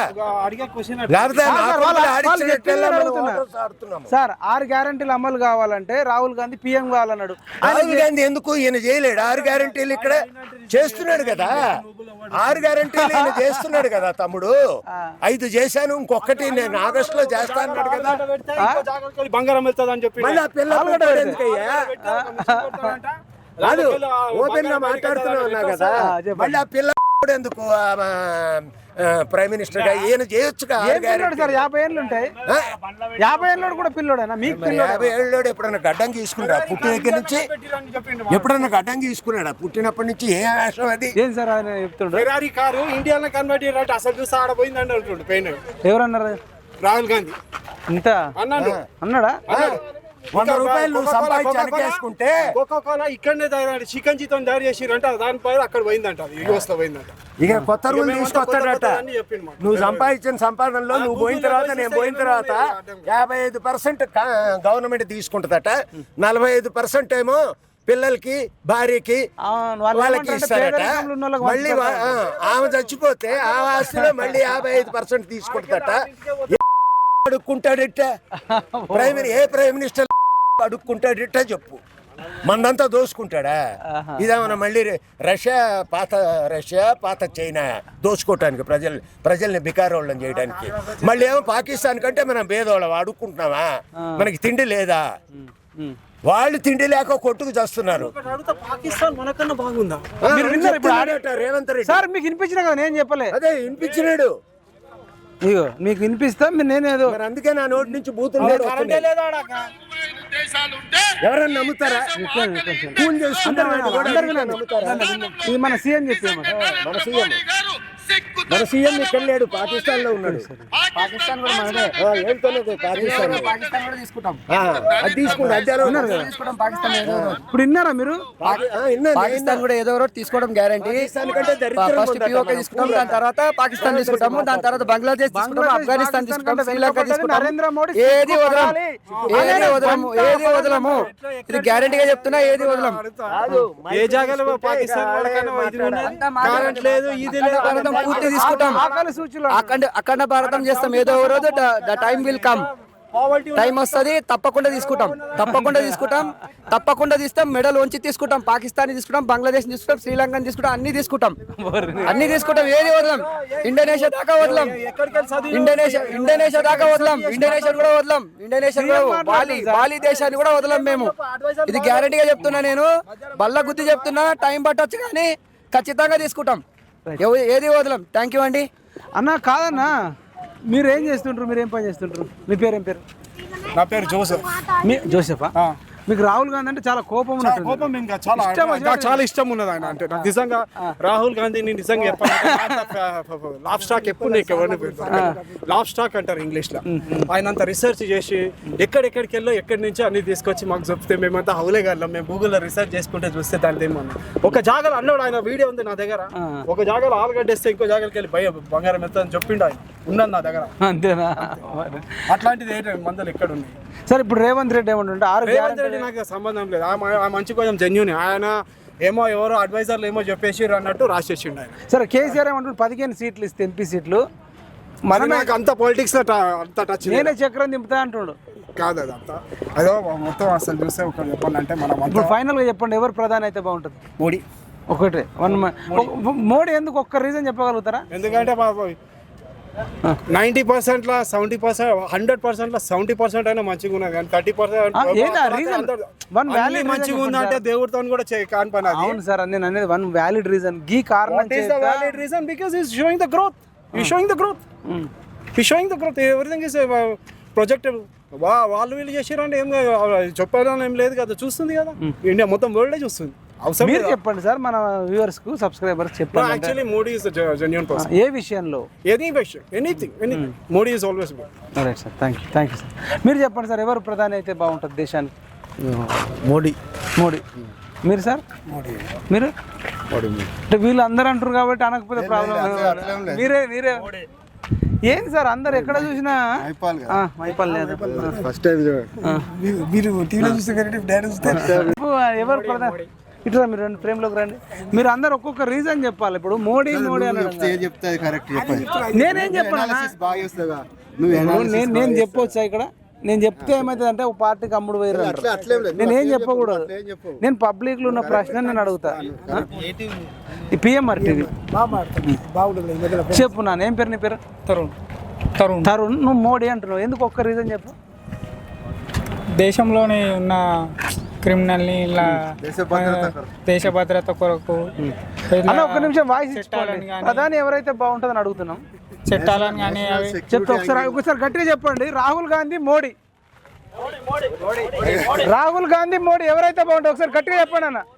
Speaker 1: సార్ 6 గ్యారంటీలు అమలు కావాలంటే రాహుల్ గాంధీ PM కావాలన్నాడు.
Speaker 13: రాహుల్ గాంధీ ఎందుకు ఈయన చేయలేడు? 6 గ్యారంటీలు ఇక్కడ చేస్తున్నాడు కదా. 6 గ్యారంటీలు ఈయన చేస్తున్నాడు కదా తమ్ముడు. 5 చేశాను, ఇంకొకటి నేను ఆగస్టులో చేస్తాను కదా.
Speaker 8: బంగారం వెళ్తుంది అని చెప్పి
Speaker 13: మళ్ళీ ఆ పిల్లలు ఎందుకయ్యా? కాదు, ఓపెన్ గా మాట్లాడుతున్నా కదా. మళ్ళీ ఆ పిల్ల ఎందుకు ప్రైమ్ మినిస్టర్ గా ఈయన చేయొచ్చు కదా.
Speaker 1: 50 ఏళ్ళు ఉంటాయి. 50 ఏళ్ళు కూడా పిల్లోడేనా? మీకు
Speaker 13: 50 ఏళ్ళు ఎప్పుడన్నా గడ్డం తీసుకున్నాడా పుట్టిన దగ్గర నుంచి? ఎప్పుడన్నా గడ్డం తీసుకున్నాడా పుట్టినప్పటి నుంచి? ఏ వేషం అది?
Speaker 1: ఏం సార్ ఆయన చెప్తుండ్రు?
Speaker 8: ఫెరారీ కారు ఇండియాలో కన్వర్ట్ చేయడం అసలు చూసి ఆడపోయింది అంటుండు పెయిన్.
Speaker 1: ఎవరన్నారు?
Speaker 8: రాహుల్ గాంధీ.
Speaker 1: ఇంత అన్నాడా?
Speaker 13: 100 రూపాయలు నువ్వు సంపాదించుకుంటే
Speaker 8: కోకోకోలా ఇక్కడనే చికెన్ జీతం తయారు చేసిరంట, దానిపై అక్కడ పోయిందంట, యూఎస్ లో పోయిందంట.
Speaker 13: ఇక కొత్త రూల్ తీసుకొస్తాడట. నువ్వు సంపాదించిన సంపాదనలో నువ్వు పోయిన తర్వాత, నేను పోయిన తర్వాత 55% గవర్నమెంట్ తీసుకుంటుందట, 45% ఏమో పిల్లలకి, భార్యకి, వాళ్ళకి ఇస్తారట. మళ్ళీ ఆమె చచ్చిపోతే ఆ ఆస్తిలో మళ్ళీ 55% తీసుకుంటుందట. అడుక్కుంటాడట ఏ ప్రైమ్ మినిస్టర్ అడుక్కుంటాడట చెప్పు? మందంతా దోసుకుంటాడా? ఇదేమన్నా మళ్ళీ రష్యా పాత చైనా దోచుకోవటానికి, ప్రజల్ని బికారోళ్ళని చేయడానికి? మళ్ళీ ఏమో పాకిస్తాన్ కంటే మనం భేదోళ్ళం అడుక్కుంటున్నావా? మనకి తిండి లేదా? వాళ్ళు తిండి లేక కొట్టుకు చేస్తున్నారు.
Speaker 8: పాకిస్తాన్ మనకన్నా బాగుందా?
Speaker 13: రేవంత్ రెడ్డి
Speaker 1: సార్ మీకు వినిపించిన కదా, నేను చెప్పలే.
Speaker 13: అదే వినిపించినాడు.
Speaker 1: ఇగో మీకు వినిపిస్తా, నేనేదో
Speaker 13: అందుకే నా నోటి నుంచి బూతులు ఎవరన్నా నమ్ముతారా?
Speaker 1: ఇది మన సీఎం చెప్పాము.
Speaker 13: మన సీఎం ఇక్కడ లేడు, పాకిస్తాన్ లో ఉన్నాడు.
Speaker 1: పాకిస్తాన్ కూడా మనదే.
Speaker 13: పాకిస్తాన్ కూడా తీసుకుంటాం. అది తీసుకుంటాం.
Speaker 1: ఇప్పుడు విన్నారా మీరు?
Speaker 6: పాకిస్తాన్ కూడా ఏదో ఒకటి తీసుకోవడం గ్యారంటీ. ఫస్ట్ POK తీసుకుంటాం, దాని తర్వాత పాకిస్తాన్ తీసుకుంటాము, దాని తర్వాత బంగ్లాదేశ్ తీసుకుంటాము, ఆఫ్ఘనిస్తాన్ తీసుకుంటాం, శ్రీలంక తీసుకుంటాం.
Speaker 1: నరేంద్ర మోడీ
Speaker 6: ఏది వదలము. ఇది గ్యారంటీగా చెప్తున్నా, ఏది వదలం.
Speaker 8: ఏ జాగాలో పాకిస్తాన్ కరెంట్ లేదు, ఇది లేదు,
Speaker 6: పూర్తి తీసుకుంటాం. అఖండ భారతం చేస్తాం. ఏదో ఒక రోజు the time will come. Time వస్తుంది, తప్పకుండా తీస్తాం. మెడల్ వంచి తీసుకుంటాం. పాకిస్తాన్ తీసుకుంటాం, బంగ్లాదేశ్ తీసుకుంటాం, శ్రీలంక తీసుకుంటాం, అన్ని తీసుకుంటాం. ఏది వదలం. ఇండోనేషియా దాకా వదలం. ఇండోనేషియా కూడా వదలం. బాలి దేశాన్ని కూడా వదలం మేము. ఇది గ్యారంటీగా చెప్తున్నా, నేను బల్ల గుద్ది చెప్తున్నా. టైం పట్టొచ్చు కానీ ఖచ్చితంగా తీసుకుంటాం. ఏది వదలం. థ్యాంక్ యూ అండి.
Speaker 1: అన్న కాదన్నా, మీరు ఏం చేస్తుంటారు? మీరు ఏం పని చేస్తుంటారు? మీ పేరు ఏం పేరు?
Speaker 15: నా పేరు జోసెఫ్.
Speaker 1: మీ జోసెఫా? మీకు రాహుల్ గాంధీ అంటే చాలా కోపం ఉన్నట్టు.
Speaker 15: కోపం ఇంకా చాలా ఇష్టం ఉన్నది ఆయన అంటే. నాకు నిజంగా రాహుల్ గాంధీని నిజంగా చెప్పాలంటే లాఫ్ స్టాక్ ఎప్పుడు నీకు ఎవరిని లాఫ్ స్టాక్ అంటారు ఇంగ్లీష్ లో. ఆయన అంత రీసెర్చ్ చేసి ఎక్కడెక్కడికి వెళ్ళో ఎక్కడి నుంచి అన్ని తీసుకొచ్చి మాకు చెప్తే మేమంతా హౌలే గారు మేము గూగుల్లో రీసెర్చ్ చేసుకుంటే చూస్తే దాని ఏమన్నా ఒక జాగాలో అన్నాడు. ఆయన వీడియో ఉంది నా దగ్గర. ఒక జాగాలో ఆలుగడ్డేస్తే ఇంకో జాగాకి వెళ్ళి బంగారం ఎత్తాలని చెప్పిండు ఆయన. ఉన్నది నా దగ్గర.
Speaker 1: అంతేనా?
Speaker 15: అట్లాంటిది ఏంటంటే మందులు ఎక్కడ ఉన్నాయి
Speaker 1: సార్? ఇప్పుడు రేవంత్ రెడ్డి ఏమంటుంటే
Speaker 15: రేవంత్ రెడ్డి నాకు సంబంధం లేదు. ఆ మంచి కొంచెం జెన్యూన్. ఆయన ఏమో ఎవరో అడ్వైజర్లు ఏమో చెప్పేసి అన్నట్టు రాసేసిండు ఆయన.
Speaker 1: సరే కేసీఆర్ ఏమంటుంటే 15 సీట్లు ఇస్తే ఎంపీ సీట్లు
Speaker 15: మనం నాకు అంత పాలిటిక్స్ లో అంత టచ్.
Speaker 1: నేనే చక్రం దింపుతా అంటున్నాడు.
Speaker 15: కాదు అదంతా అదో మొత్తం అసలు చూస్తే ఒకటి చెప్పాలంటే మనం
Speaker 1: ఇప్పుడు ఫైనల్గా చెప్పండి, ఎవరు ప్రధాని అయితే బాగుంటుంది?
Speaker 15: మోడీ.
Speaker 1: ఒకటే మోడీ. ఎందుకు? ఒక్క రీజన్ చెప్పగలుగుతారా?
Speaker 15: ఎందుకంటే 90%లో 70%, 100%లో 70% అయినా మంచిగా ఉన్నది కానీ 30% మంచిగా ఉందంటే దేవుడితో కూడా కాని పని.
Speaker 1: అవును సార్, నేను అనేది వన్ వ్యాలిడ్ రీజన్. గీ కారణం
Speaker 15: valid reason because is showing the growth. Showing the growth. Everything is project. వాళ్ళు వీళ్ళు చేసారంటే ఏం చెప్పాలని ఏం లేదు కదా, చూస్తుంది కదా ఇండియా మొత్తం వరల్డే చూస్తుంది.
Speaker 1: మీరు చెప్పండి సార్ మన వ్యూవర్స్ కు, సబ్స్క్రైబర్స్ చెప్పండి.
Speaker 15: Actually Modi is genuine person.
Speaker 1: ఏ విషయంలో?
Speaker 15: Anything Modi is always good.
Speaker 1: Right sir, thank you sir. మీరు చెప్పండి సార్, ఎవరు ప్రధాని అయితే బాగుంటుంది దేశానికి?
Speaker 6: మోడీ.
Speaker 1: మీరు సార్? మీరు అంటే వీళ్ళు అందరూ అంటారు కాబట్టి అనకపోతే ప్రాబ్లం. మీరే ఏంటి సార్ అందరు ఎక్కడ చూసినా మైపాల్ లేదు.
Speaker 6: ఫస్ట్ టైం
Speaker 15: మీరు టీవీలో చూస్తే
Speaker 1: ఎవరు ప్రధాని? ఇట్లా మీరు రెండు ఫ్రేమ్లోకి రండి. మీరు అందరు ఒక్కొక్క రీజన్ చెప్పాలి. ఇప్పుడు మోడీ నేనేం చెప్పాను? నేను చెప్పవచ్చా ఇక్కడ? నేను చెప్తే ఏమవుతుంది అంటే ఒక పార్టీకి అమ్ముడు పోయారు. నేనేం చెప్పకూడదు. నేను పబ్లిక్ లో ఉన్న ప్రశ్న నేను అడుగుతా. ఈ పిఎంఆర్ టీవీ చెప్పు. నాన్న ఏం పేరు? నీ పేరు? తరుణ్. నువ్వు మోడీ అంటున్నావు, ఎందుకు? ఒక్క రీజన్ చెప్పు.
Speaker 7: దేశంలోని ఉన్న క్రిమినల్ని ఇలా దేశ భద్రత కొరకు
Speaker 1: అలా ఒక్క నిమిషం వాయిస్ ఇచ్చుకోవాలి. ప్రధాని ఎవరైతే బాగుంటుందని అడుగుతున్నాం.
Speaker 7: చట్టాలను కానీ
Speaker 1: చెప్తే ఒకసారి గట్టిగా చెప్పండి. రాహుల్ గాంధీ మోడీ. రాహుల్ గాంధీ మోడీ ఎవరైతే బాగుంటుంది ఒకసారి గట్టిగా చెప్పండి అన్న.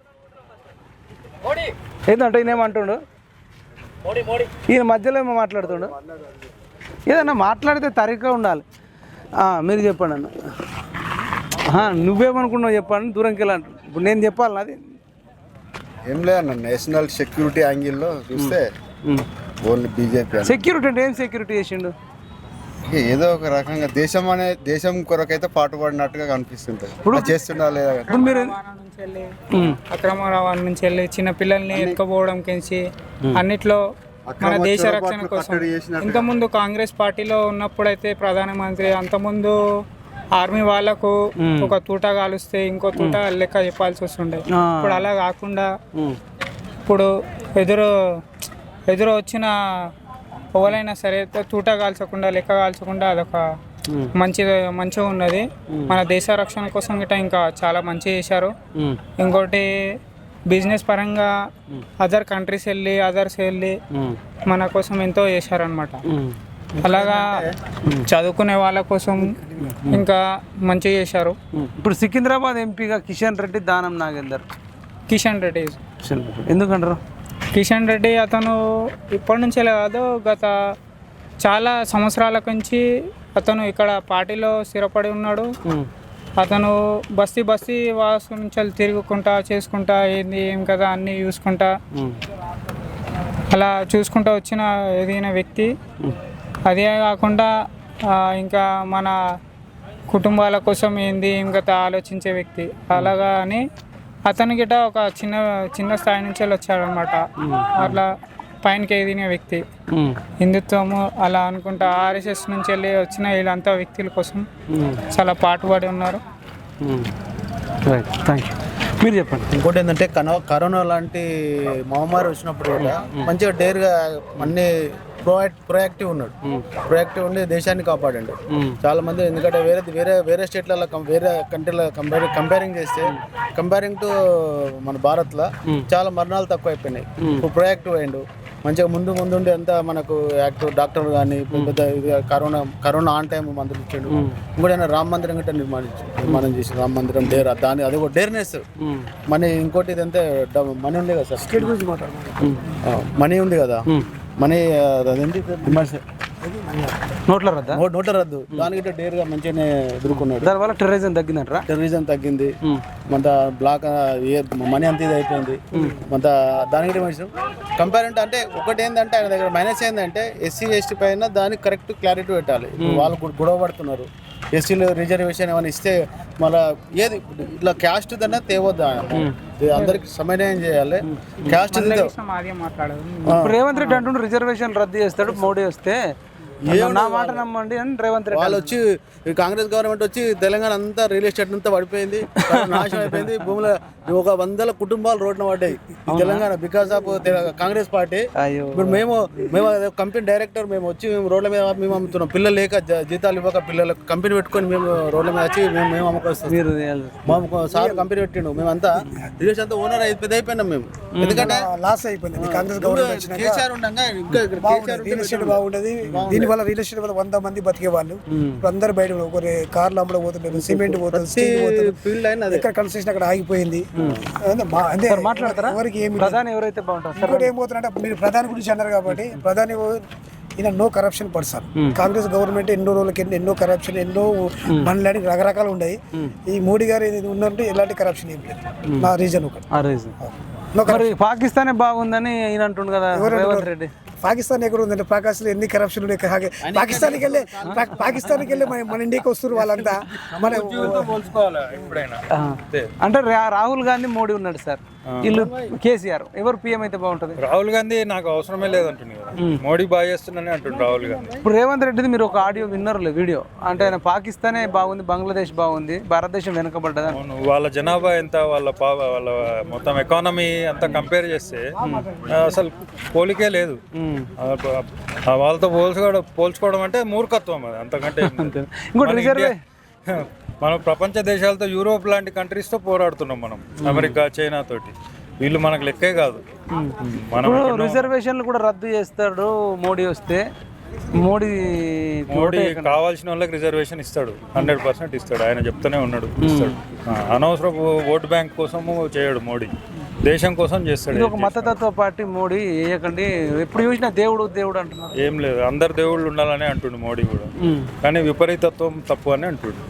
Speaker 1: ఏంటంటే ఈయన ఏమంటుండు? ఈయన మధ్యలో ఏమో మాట్లాడుతుండు. ఏదన్నా మాట్లాడితే తరిగ్గా ఉండాలి. మీరు చెప్పండి అన్న. నువ్వేమనుకున్నావు చెప్పండి. దూరంకి వెళ్ళాలి. ఇప్పుడు నేను చెప్పాలి నాది
Speaker 6: ఏం లేదన్న. నేషనల్ సెక్యూరిటీ యాంగిల్లో చూస్తే ఓన్లీ బీజేపీ.
Speaker 1: సెక్యూరిటీ అంటే ఏం సెక్యూరిటీ చేసిండు?
Speaker 6: ఏదో ఒక రకంగా దేశం కొరకైతే పాటుపడినట్టుగా కనిపిస్తుంటది. ఇప్పుడు చేస్తున్నా లేదా?
Speaker 7: మీరు అక్రమ రవాణా నుంచి వెళ్ళి చిన్న పిల్లల్ని ఎత్తుకుపోవడం కించి అన్నిట్లో మన దేశ రక్షణ కోసం. ఇంతకుముందు కాంగ్రెస్ పార్టీలో ఉన్నప్పుడైతే ప్రధానమంత్రి అంతకుముందు ఆర్మీ వాళ్ళకు ఒక తూట కాలుస్తే ఇంకో తూట లెక్క చెప్పాల్సి వస్తుండే. ఇప్పుడు అలా కాకుండా ఇప్పుడు ఎదురు వచ్చిన ఎవరైనా సరే తూట కాల్చకుండా లెక్క కాల్చకుండా అదొక మంచిగా ఉన్నది. మన దేశ రక్షణ కోసం గిట్ట ఇంకా చాలా మంచి చేశారు. ఇంకోటి బిజినెస్ పరంగా అదర్స్ వెళ్ళి మన కోసం ఎంతో చేశారనమాట. అలాగా చదువుకునే వాళ్ళ కోసం ఇంకా మంచిగా చేశారు.
Speaker 1: ఇప్పుడు సికింద్రాబాద్ ఎంపీగా కిషన్ రెడ్డి, దానం నాగేందర్.
Speaker 7: కిషన్ రెడ్డి
Speaker 1: ఎందుకంటారు?
Speaker 7: కిషన్ రెడ్డి అతను ఇప్పటి నుంచే కాదు, గత చాలా సంవత్సరాల నుంచి అతను ఇక్కడ పార్టీలో స్థిరపడి ఉన్నాడు. అతను బస్తీ వాసు నుంచి తిరుగుకుంటా చేసుకుంటా ఏంది ఏం కదా అన్నీ చూసుకుంటా అలా చూసుకుంటూ వచ్చిన ఎదిగిన వ్యక్తి. అదే కాకుండా ఇంకా మన కుటుంబాల కోసం ఏంది ఏం కదా ఆలోచించే వ్యక్తి. అలాగా అని అతని గిట్ట ఒక చిన్న స్థాయి నుంచి వచ్చాడనమాట. అట్లా పైనకి ఎదిగిన వ్యక్తి. హిందుత్వము అలా అనుకుంటా ఆర్ఎస్ఎస్ నుంచి వెళ్ళి వచ్చిన వీళ్ళంతా వ్యక్తుల కోసం చాలా పాటుపడి ఉన్నారు.
Speaker 1: మీరు చెప్పండి.
Speaker 16: ఇంకోటి ఏంటంటే కరోనా లాంటి మహమ్మారి వచ్చినప్పుడు కూడా మంచిగా డేర్గా అన్ని ప్రొయాక్టివ్ ఉన్నాడు. ప్రొయాక్టివ్ ఉండి దేశాన్ని కాపాడండి చాలా మంది. ఎందుకంటే వేరే స్టేట్లలో వేరే కంట్రీలో కంపేరింగ్ టు మన భారత్లో చాలా మరణాలు తక్కువ అయిపోయినాయి. ఇప్పుడు ప్రొయాక్టివ్ అయ్యిండు. మంచిగా ముందుండి అంతా మనకు యాక్టర్ డాక్టర్లు కానీ పెద్ద కరోనా ఆన్ టైం మందులు ఇచ్చాడు. ఇంకోటి రామ మందిరం గట్రా నిర్మాణం చేసి రామ మందిరం డేర్ దాని అది ఒక డేర్నెస్ మనీ. ఇంకోటి ఇదంతా మనీ ఉంది కదా సార్, స్టేట్ గురించి మనీ ఉంది కదా, మనీ అదేంటి
Speaker 1: నోట్ల రద్దు
Speaker 16: దానికి డేర్గా మంచిగానే ఎదుర్కొన్నాడు.
Speaker 1: దానివల్ల టెర్రరిజం
Speaker 16: తగ్గింది. మన బ్లాక్ మనీ అంత ఇది అయిపోయింది. మన దానికి కంపేర్ అంటే ఒకటి ఏంటంటే ఆయన దగ్గర మైనస్ ఏంటంటే ఎస్సీ ఎస్టీ పైన దానికి కరెక్ట్ క్లారిటీ పెట్టాలి. వాళ్ళు గొడవ పడుతున్నారు. ఎస్సీలో రిజర్వేషన్ ఏమైనా ఇస్తే మళ్ళీ ఏది ఇట్లా క్యాస్ట్ దన్నా తేవద్దు, అందరికి సమన్వయం చేయాలి. క్యాస్ట్
Speaker 1: రేవంత్ రెడ్డి అంటుండే రిజర్వేషన్ రద్దు చేస్తాడు మోడీ వస్తే, నా మాట నమ్మండి అని రేవంత్ రెడ్డి.
Speaker 16: వాళ్ళు వచ్చి కాంగ్రెస్ గవర్నమెంట్ వచ్చి తెలంగాణ అంతా రియల్ ఎస్టేట్ అంతా పడిపోయింది, నాశనం అయిపోయింది. భూముల 100 కుటుంబాలు రోడ్డున పడ్డాయి Telangana because of Congress party. ఇప్పుడు మేము కంపెనీ డైరెక్టర్ మేము వచ్చి రోడ్ల మీద మేము అమ్ముతున్నాం. పిల్లలు లేక జీతాలు ఇవ్వక పిల్లలకు కంపెనీ పెట్టుకొని మేము రోడ్ల మీద వచ్చి మేము అమ్ముకొస్తాం. మాకు సార్ కంపెనీ పెట్టిండు, మేమంతా రిలేషన్ అంతా ఓనర్ పెద్ద అయిపోయినాం మేము. ఎందుకంటే
Speaker 17: లాస్ అయిపోయింది కాంగ్రెస్ గవర్నమెంట్.
Speaker 16: కేసీఆర్ ఉండగా
Speaker 17: రియల్ ఎస్టేట్ బాగుండదు, దీనివల్ల రియల్ ఎస్టేట్ వల్ల 100 మంది బతికే వాళ్ళు ఇప్పుడు అందరు బయట ఒకరి కార్లు అమ్మడం పోతుంటారు, సిమెంట్ పోతుంది, స్టీల్ పోతుంది. ఎక్కడ కన్స్ట్రక్షన్ అక్కడ ఆగిపోయింది.
Speaker 1: మాట్లాడతారా ప్రధాని ఎవరైతే బాగుంటారు?
Speaker 17: ఇంకోటి ఏమవుతుందంటే మీరు ప్రధాని గురించి అన్నారు కాబట్టి, ప్రధాని ఈయన no corruption person. Congress government ఎన్నో రోజులకి ఎన్నో కరప్షన్ ఎన్నో బండ్లని రకరకాలు ఉన్నాయి. ఈ మోడీ గారు ఉన్నట్టు ఎలాంటి కరప్షన్ ఏం లేదు. నా రీజన్ ఒకటి.
Speaker 1: పాకిస్తానే బాగుందని ఈయన అంటుండు కదా రేవంత్ రెడ్డి.
Speaker 17: పాకిస్తాన్ ఎక్కడ ఉందంటే పాకిస్తాన్ ఎన్ని కరప్షన్ ఉన్నాయి. పాకిస్తాన్కి వెళ్ళి మన ఇండియాకి వస్తారు వాళ్ళంతా. మన
Speaker 1: అంటే రాహుల్ గాంధీ మోడీ ఉన్నాడు సార్, వీళ్ళు కేసీఆర్, ఎవరు పిఎం అయితే బాగుంటుంది?
Speaker 11: రాహుల్ గాంధీ నాకు అవసరమే లేదంటుంది కదా, మోడీ బాగా చేస్తున్నానే అంటుండు రాహుల్ గాంధీ.
Speaker 1: ఇప్పుడు రేవంత్ రెడ్డిది మీరు ఒక ఆడియో విన్నారు వీడియో, అంటే ఆయన పాకిస్తానే బాగుంది, బంగ్లాదేశ్ బాగుంది, భారతదేశం వెనుకబడ్డది.
Speaker 11: వాళ్ళ జనాభా ఎంత, వాళ్ళ మొత్తం ఎకానమీ అంతా కంపేర్ చేస్తే అసలు పోలికే లేదు. వాళ్ళతో పోల్చుకోవడం అంటే మూర్ఖత్వం, అది అంతకంటే.
Speaker 1: ఇంకోటి
Speaker 11: మనం ప్రపంచ దేశాలతో యూరోప్ లాంటి కంట్రీస్తో పోరాడుతున్నాం మనం, అమెరికా చైనా తోటి. వీళ్ళు మనకు లెక్కే కాదు. మనం
Speaker 1: రిజర్వేషన్లు కూడా రద్దు చేస్తాడు మోడీ వస్తే. మోడీ
Speaker 11: కావాల్సిన వాళ్ళకి రిజర్వేషన్ ఇస్తాడు, 100% ఇస్తాడు. ఆయన చెప్తూనే ఉన్నాడు ఇస్తాడు. అనవసరపు ఓటు బ్యాంక్ కోసము చేయడు మోడీ, దేశం కోసం చేస్తాడు.
Speaker 1: ఇది ఒక మతతత్వ పార్టీ మోడీ, వేయకండి. ఎప్పుడు చూసినా దేవుడు అంటున్నారు.
Speaker 11: ఏం లేదు, అందరు దేవుళ్ళు ఉండాలని అంటుండు మోడీ కూడా, కానీ విపరీతత్వం తప్పు అని అంటుండు.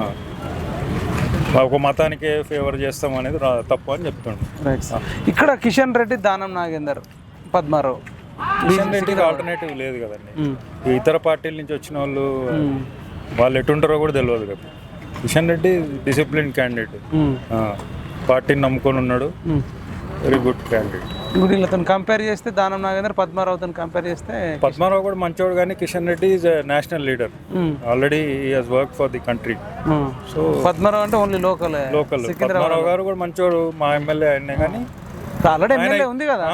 Speaker 11: ఒక మతానికే ఫేవర్ చేస్తాం అనేది తప్పు అని చెప్తుండు.
Speaker 1: ఇక్కడ కిషన్ రెడ్డి, దానం నాగేందర్, పద్మారావు,
Speaker 11: కిషన్ రెడ్డికి ఆల్టర్నేటివ్ లేదు కదండి. ఇతర పార్టీల నుంచి వచ్చిన వాళ్ళు ఎటుంటారో కూడా తెలియదు కదా. కిషన్ రెడ్డి డిసిప్లిన్ క్యాండిడేట్, పార్టీని నమ్ముకొని ఉన్నాడు, వెరీ గుడ్ క్యాండిడేట్.
Speaker 1: వీళ్ళతో కంపేర్ చేస్తే దానం నాగేందర్, పద్మారావుతో కంపేర్ చేస్తే
Speaker 11: పద్మారావు కూడా మంచోడు, కానీ Kishan Reddy is national leader. Already he has work for the country.
Speaker 1: So Padmarao అంటే ఓన్లీ లోకల్.
Speaker 11: పద్మారావు గారు కూడా మంచోడు, మా ఎమ్మెల్యే ఆయనే. కానీ
Speaker 1: ఆల్రెడీ ఎమ్మెల్యే ఉంది కదా,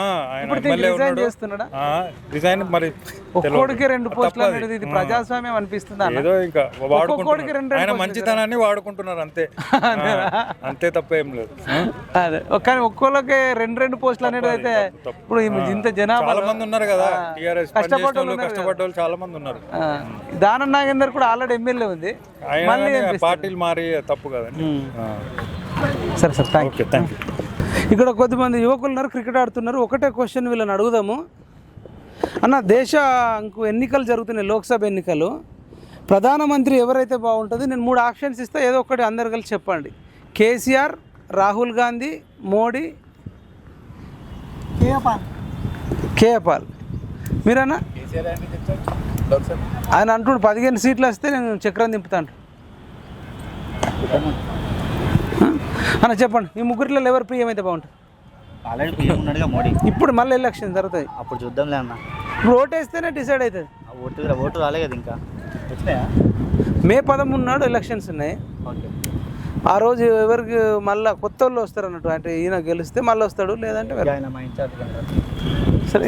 Speaker 11: రిజైన్ మరి
Speaker 1: ఒక్కోడికి 2 పోస్టులు అనేది ఇది ప్రజాస్వామ్యం అనిపిస్తుంది.
Speaker 11: ఏదో ఇంకా వాడుకుంటున్నారు, ఆయన మంచితనాన్ని వాడుకుంటున్నారు అంతే, అంతే తప్ప ఏం లేదు.
Speaker 1: అదే కానీ ఒక్కోళ్ళకి 2 పోస్టులు అనేది అయితే ఇప్పుడు ఇంత జనాభా
Speaker 11: చాలా మంది ఉన్నారు కదా, కష్టపడ్డ చాలా మంది ఉన్నారు.
Speaker 1: దానం నాగేందర్ కూడా ఆల్రెడీ ఎమ్మెల్యే ఉంది,
Speaker 11: పార్టీలు మారి తప్పు కదండి.
Speaker 1: సరే సార్, థ్యాంక్ యూ. ఇక్కడ కొద్దిమంది యువకులు ఉన్నారు, క్రికెట్ ఆడుతున్నారు. ఒకటే క్వశ్చన్ వీళ్ళని అడుగుదాము. అన్న, దేశంకు ఎన్నికలు జరుగుతున్నాయి, లోక్సభ ఎన్నికలు. ప్రధానమంత్రి ఎవరైతే బాగుంటుంది? నేను 3 ఆప్షన్స్ ఇస్తా, ఏదో ఒకటి అందరు కలిసి చెప్పండి. కేసీఆర్, రాహుల్ గాంధీ, మోడీ, కేఏపాల్. మీరన్నా? ఆయన అంటుండు 15 సీట్లు వస్తే నేను చక్రం దింపుతాను అన్న. చెప్పండి, ఈ ముగ్గురిలో ఎవరు పిఎం అయితే బాగుంటుంది?
Speaker 18: ఆల్రెడీ పిఎం ఉన్నాడుగా మోడీ.
Speaker 1: ఇప్పుడు మళ్ళీ ఎలక్షన్ జరుగుతాయి,
Speaker 18: అప్పుడు చూద్దాంలే అన్న.
Speaker 1: ఇప్పుడు ఓటేస్తేనే డిసైడ్ అవుతుంది.
Speaker 18: ఓటు రాలే కదా ఇంకా.
Speaker 1: మే 13 ఎలక్షన్స్ ఉన్నాయి. ఆ రోజు ఎవరికి మళ్ళీ కొత్త వాళ్ళు వస్తారు అన్నట్టు, అంటే ఈయన గెలిస్తే మళ్ళీ వస్తాడు, లేదంటే
Speaker 18: ఆయన మా ఇన్ఛార్జ్